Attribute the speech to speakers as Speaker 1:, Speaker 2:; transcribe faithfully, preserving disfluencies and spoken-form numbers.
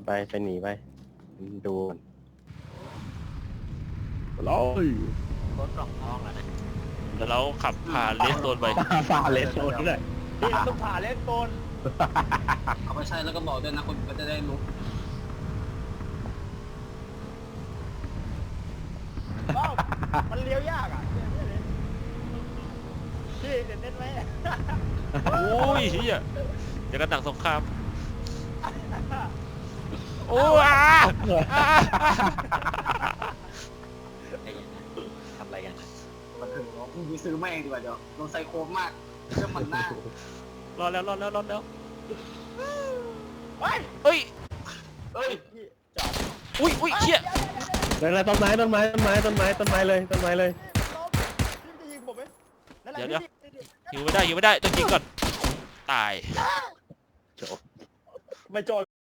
Speaker 1: ไปไปหนีไปดู
Speaker 2: ร้อย
Speaker 3: รถกล่องทองแล้วนะ
Speaker 4: แล้วเราขับผ่านเลสโซนไป
Speaker 2: ฝ่าเลนโซนด้วย
Speaker 3: พี่เราต้องผ่าเลนโซน
Speaker 5: เอาไปใช้แล้วก็บอกด้วยนะคนก็จะได้รู้
Speaker 3: ว้าวมันเลี้ยวยากอ่ะพี่เด็ดเน้นไหม
Speaker 4: โอ้ยเฮียจะกระหนังสงครามโอ้อาอ่า
Speaker 3: ไอ้ยังไงทำอะไรกัน
Speaker 5: มาถึงเนาะมึงไปซื้อมาเองดีกว่าเดี๋ยวโดนไซโคมมากเรื่องมันหน้าร
Speaker 4: อดแล้วรอดแล้วรอดแล้ว
Speaker 3: เฮ้ย
Speaker 4: เอ้ย
Speaker 5: เอ้ย
Speaker 3: พี่จอด
Speaker 4: อุ้ยอุ้ยเชี่ย
Speaker 2: เลยเลยต้นไม้ต้นไม้ต้นไม้ต้นไม้ต้นไม้เลยต้นไม้เลย
Speaker 3: พี่จะยิงผมไหมนั่นแหละพี่
Speaker 4: หิวไม่ได้หิวไม่ได้ต้องยิงก่อนตาย
Speaker 3: ไม่จอด